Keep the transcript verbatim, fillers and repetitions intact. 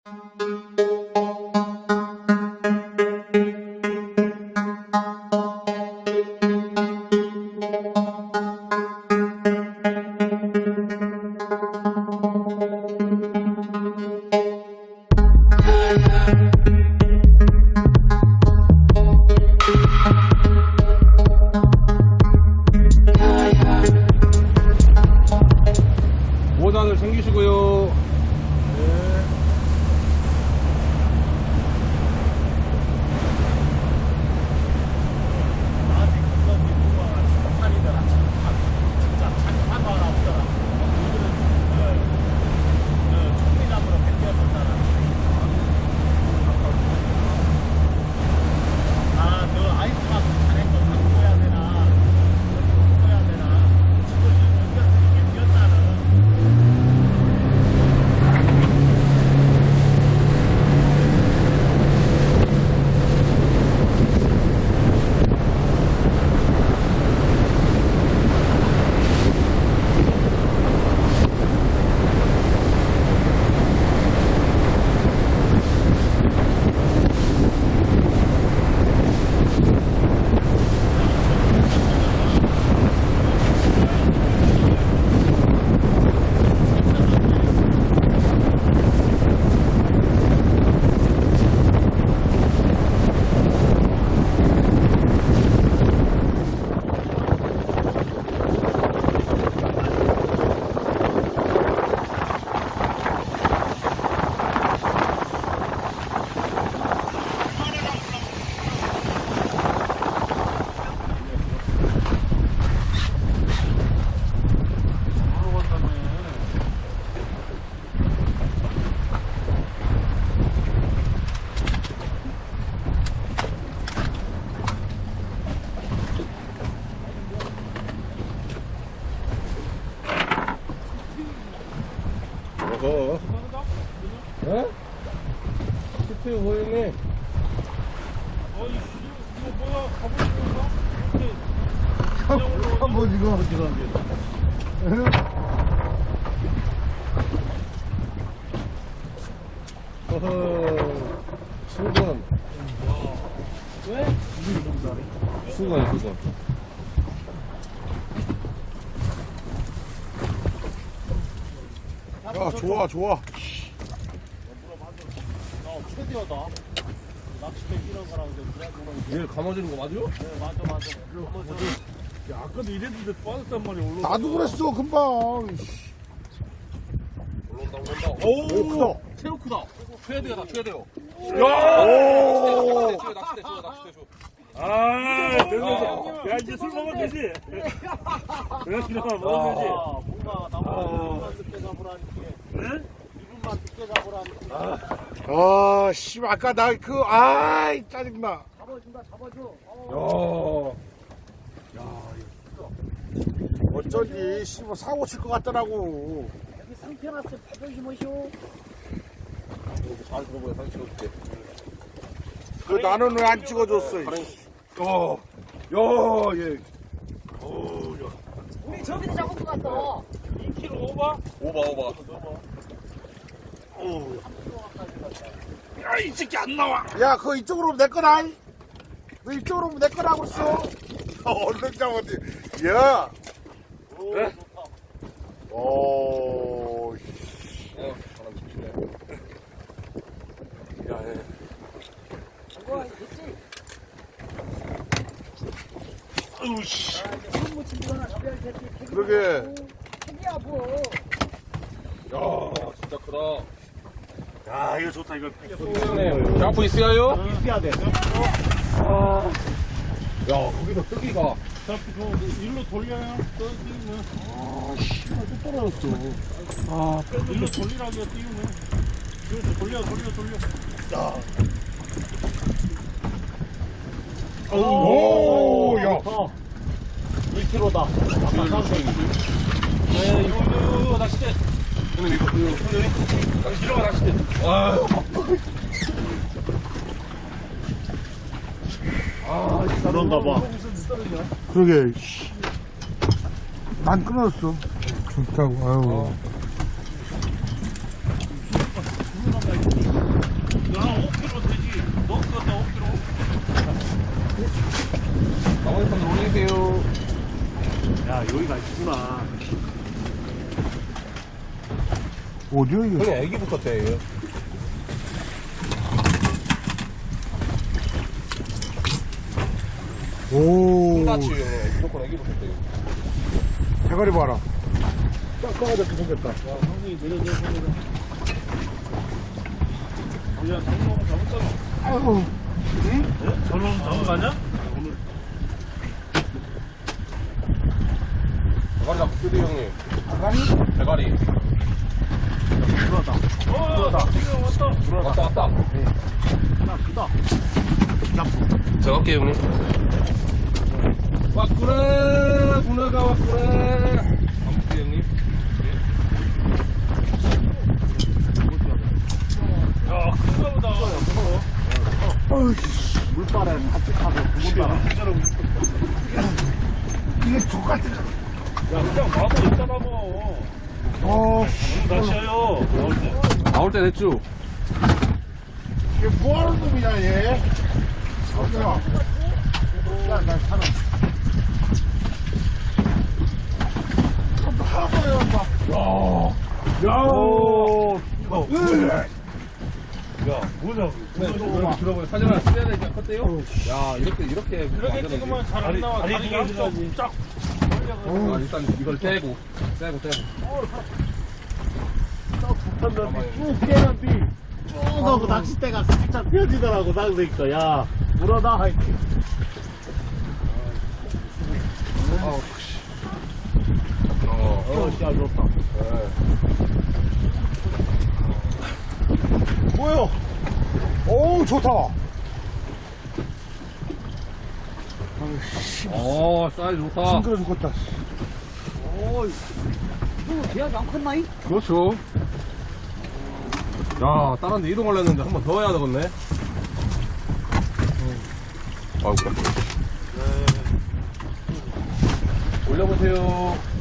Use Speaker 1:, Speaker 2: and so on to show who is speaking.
Speaker 1: 오 단을 챙기시고요. 네. 어허. 예? 시트 보이네.
Speaker 2: 어이, 이거 뭐야? 가보는 건가? 이렇게.
Speaker 3: 한번 이거.
Speaker 1: 어허. 수건.
Speaker 2: 왜?
Speaker 1: 수건, 수건.
Speaker 3: 야, 좋아, 좋아.
Speaker 2: 야, 최대하다. 낚싯대 이런 거랑 이제 그래 보면.
Speaker 1: 얘 감아주는 거 맞아?
Speaker 2: 네, 맞아, 맞아. 야, 아까도 이랬는데 빠졌단 말이야, 올라.
Speaker 3: 나도 그랬어, 금방.
Speaker 1: 올라온다, 올라온다.
Speaker 3: 오, 크다.
Speaker 1: 새우 크다. 최대야, 나 최대요.
Speaker 3: 오!
Speaker 1: 낚싯대 줘, 낚싯대 줘, 낚싯대 줘.
Speaker 2: 아, 됐어. 야, 이제 술 먹으면 되지. 야, 이러면 먹으면 되지.
Speaker 1: 아,
Speaker 2: 뭔가 나보다 늦게 잡으라니까. 네? 이분만 늦게 잡으라니까.
Speaker 3: 아, 씨, 아까 나 그, 아이, 짜증나.
Speaker 2: 잡아준다, 잡아줘.
Speaker 1: 야.
Speaker 3: 어쩐지, 씨, 뭐 사고 칠 것 같더라고.
Speaker 2: 여기 상태 났어. 바닥이 뭐쇼?
Speaker 1: 잘 들어보여, 사진 찍어줄게.
Speaker 3: 그 나는 왜 안 찍어줬어, 이
Speaker 1: 어. 야, 얘.
Speaker 4: 우리 저기도 잡은 것 같다.
Speaker 2: 이 킬로그램 오바?
Speaker 1: 오바, 오바.
Speaker 2: 야, 이 새끼 안 나와.
Speaker 3: 야, 그거 이쪽으로 오면 내 거다. 이. 너 이쪽으로 오면 내 거라고 있어. 어, 얼른 잡았지. 야.
Speaker 2: 오,
Speaker 1: 네?
Speaker 2: 좋다.
Speaker 3: 오,
Speaker 1: 어, 바람 조심해. 야, 얘.
Speaker 4: 이거 있지?
Speaker 2: 아유, 씨.
Speaker 4: 손 묻힌 거나 잡아야 되지.
Speaker 3: 그러게.
Speaker 4: 책이야 뭐.
Speaker 1: 야, 진짜 크다.
Speaker 2: 야, 이거 좋다, 이거.
Speaker 1: 네, 샤프 있어요?
Speaker 2: 있어야 돼.
Speaker 1: 야, 거기서 뜨기가.
Speaker 2: 자, 그, 일로 돌려요. 떠지면.
Speaker 3: 아, 씨, 또 떨어졌어.
Speaker 2: 아, 일로 돌리라고요, 띄우면. 그래서 돌려, 돌려, 돌려. 야.
Speaker 3: 오, 야.
Speaker 2: 일 킬로그램다. 아까 사운드. 네, 이거, 이거, 이거, 낚싯대.
Speaker 1: 형님, 이거, 이거, 형님. 낚시 들어가, 낚싯대. 아유.
Speaker 2: 아, 그런가 봐.
Speaker 3: 그러게, 씨. 난 끊었어. 좋다고, 아유.
Speaker 2: 여기가 있구나.
Speaker 3: 어디야, 이거?
Speaker 1: 형이 애기부터 떼요.
Speaker 3: 오,
Speaker 1: 똑같이 형이 무조건 애기부터 떼요.
Speaker 3: 대가리 봐라. 딱 꺼가지고 생겼다.
Speaker 2: 형이 내려내려 내려. 야, 저놈 잡았잖아.
Speaker 3: 아이고.
Speaker 2: 네? 저놈 잡은 거 아니야? 오늘.
Speaker 1: 대가리 잡고 쓰리 형님.
Speaker 3: 대가리?
Speaker 1: 대가리.
Speaker 2: 들어왔다. 어, 들어왔다. 지금 왔다.
Speaker 1: 왔다 왔다.
Speaker 2: 하나 크다.
Speaker 1: 제가 할게요 형님. 왔구나. 누나가 왔구나. 아무튼 형님.
Speaker 2: 야, 큰가 보다.
Speaker 3: 어이씨, 물바래 같이 타고 구멍 이게 족같은 거.
Speaker 2: 야, 그냥 와서 있잖아, 뭐.
Speaker 3: 어,
Speaker 2: 너무 다시해요. 나올 때.
Speaker 1: 나올 때 됐죠?
Speaker 3: 이게 뭐하는 놈이냐, 얘? 어디야? 야, 나 사람. 하버야, 막.
Speaker 2: 야, 오, 이거.
Speaker 3: 으,
Speaker 2: 야, 뭐냐고.
Speaker 1: 네, 이렇게 들어보요. 사진 하나 찍어야 되니까 컸대요. 야, 이렇게, 이렇게.
Speaker 2: 이렇게 찍으면 잘 안 나와. 다리 양쪽 쫙.
Speaker 1: 아, 일단 이걸 떼고, 떼고, 떼고.
Speaker 2: 쭉 깨는데 쭉 하고 낚싯대가 살짝 펴지더라고. 나 그러니까 야 물어놔 할게.
Speaker 1: 어, 어,
Speaker 2: 어, 씨, 잘 좋다.
Speaker 3: 뭐야? 어우, 좋다.
Speaker 1: 어, 사이즈 좋다.
Speaker 3: 싱그러 죽겠다.
Speaker 4: 너 대학이 안 컸나이?
Speaker 1: 그렇죠. 야, 다른 데 이동하려 했는데 한 번 더 해야 되겠네. 아이고, 그래. 올려보세요.